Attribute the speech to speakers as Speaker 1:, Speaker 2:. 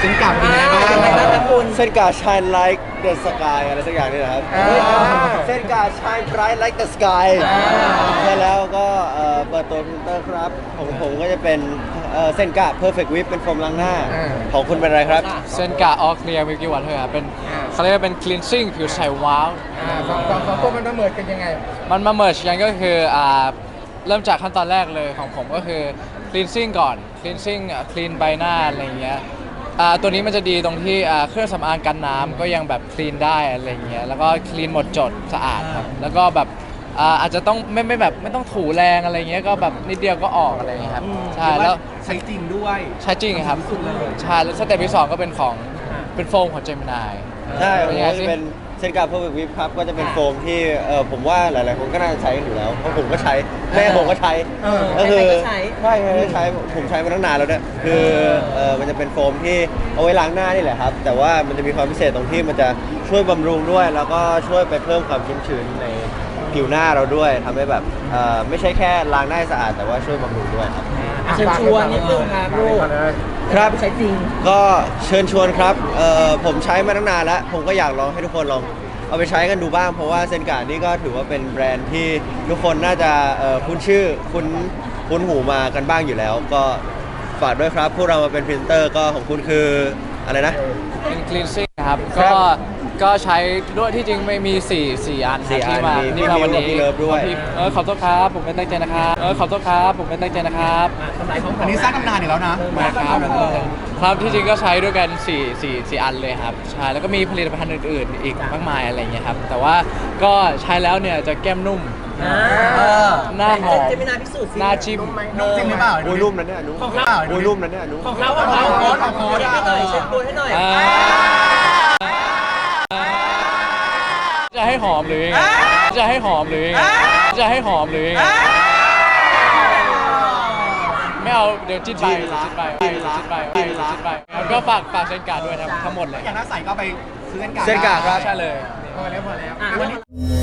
Speaker 1: เส้นกลับเป็นไงบ้าง
Speaker 2: เส้นกา shine like the sky อะไรสักอย่างนี่แหละครับเส้นกา shine bright like the sky ใช่แล้วก็เปิดตัวพรีเซนเตอร์ครับของผมก็จะเป็นเส้นกา perfect whip เป็นโฟมล้างหน้าของคุณเป็นอะไรครับ
Speaker 3: เซนกาออเคลียร์มิลกี้วอเตอร์ครับเป็นเขาเรียกว่าเป็น cleansing ผิวใสว้าว
Speaker 1: สองตัวมันมาเหมือนกันยังไง
Speaker 3: มันมาเมิร์ชกันก็คือเริ่มจากขั้นตอนแรกเลยของผมก็คือ cleansing ก่อน cleansing clean ใบหน้าอะไรอย่างเงี้ยตัวนี้มันจะดีตรงที่เครื่องสำอางกันน้ำก็ยังแบบ clean ได้อะไรอย่างเงี้ยแล้วก็ clean หมดจดสะอาดครับแล้วก็แบบอาจจะต้องไม่แบบไม่ต้องถูแรงอะไรเงี้ยก็แบบนิดเดียวก็ออกอะไรอย่างเงี้ยครับใช่แล้ว
Speaker 1: ใช้จริงด้วย
Speaker 3: ใช่จริงครับใช่แล้วสเต็ปที่สองก็เป็นของเป็นโฟมของเจมินาย
Speaker 2: ใช่ผม
Speaker 3: เป็นยังไง
Speaker 2: ก็
Speaker 3: สิ
Speaker 2: จะเป็นเส้นกา perfect whip ครับก็จะเป็นโฟมที่ผมว่าหลายๆคนก็น่าจะใช้กันอยู่แล้วเพราะผมก็ใช้แม่ผมก็ใช้ก็คือใช่ใช่ใช้ผมใช้มาตั้งนานแล้วเนี่ยคือมันจะเป็นโฟมที่เอาไว้ล้างหน้านี่แหละครับแต่ว่ามันจะมีความพิเศษตรงที่มันจะช่วยบำรุงด้วย แล้วก็ช่วยไปเพิ่มความชุ่มชื้นในผิวหน้าเราด้วยทำให้แบบไม่ใช่แค่ล้างหน้าให้สะอาดแต่ว่าช่วยบำรุงด้วยครับ
Speaker 4: เชิญชวนนิดนึงครับลูก
Speaker 2: ครับ
Speaker 4: ใช้จริง
Speaker 2: ก็เชิญชวนครับผมใช้มาตั้งนานแล้วผมก็อยากลองให้ทุกคนลองเอาไปใช้กันดูบ้างเพราะว่าเซนการ์ดนี่ก็ถือว่าเป็นแบรนด์ที่ทุกคนน่าจะคุ้นชื่อคุ้นหูมากันบ้างอยู่แล้ว ก็ฝากด้วยครับพวกเรามาเป็นพรีเซนเตอร์ก็ของคุณคืออะไรนะ
Speaker 3: เป็น cleansing นะครับ
Speaker 2: ครั
Speaker 3: ก็
Speaker 2: บ
Speaker 3: ก็ใช้ด้วยที่จริงไม่มี4อัน
Speaker 2: สี่
Speaker 3: ครับที่มา
Speaker 2: อันมี
Speaker 3: ที่มาวันนี้
Speaker 2: พี่มิวกับพี่เลิฟด้วย
Speaker 3: ขอโทษครับผมไม่ตั้งใจนะครับขอโทษครับผมไม่ตั้งใจนะครับ
Speaker 1: อันนี้สร้างตำนานอีกแล้วนะ
Speaker 3: มาครับครับที่จริงก็ใช้ด้วยกัน4อันเลยครับใช่แล้วก็มีผลิตภัณฑ์อื่นๆ อีกมากมายอะไรอย่างเงี้ยครับแต่ว่าก็ใช้แล้วเนี่ยจะแก้มนุ่ม หน้าหอม
Speaker 4: เจมินาพิสูจน์สิ
Speaker 3: หน้าจิ้ม
Speaker 1: จริงหรือเปล่า
Speaker 2: โอ้ยรุ่มนั้นเนี่ยนุ้
Speaker 4: ของเรา
Speaker 2: โอ้ยรุ่มนั้นเนี่ยนุ้
Speaker 4: ของเราของเรา
Speaker 1: โค้ดเอาโค้ด
Speaker 4: ให้หน่อยเช็ดโค้ดให้หน่อย
Speaker 3: จะให้หอมหรือยังไงจะให้หอมหรือยังไงจะให้หอมหรือยังไงไม่เอาเดี๋ยวจิ้นไปจิ้นไปจิ้นไปจิ้นไปแล้วก็ฝากเซนการ์ดด้วยทั้งหมดเลย
Speaker 1: อย่างถ้าใส่ก็ไปซื้อเส้นกลับ
Speaker 2: เส้นการ์ดครับ
Speaker 3: ใช่เลย
Speaker 1: พอแล้ว
Speaker 4: อ่ะวันนี้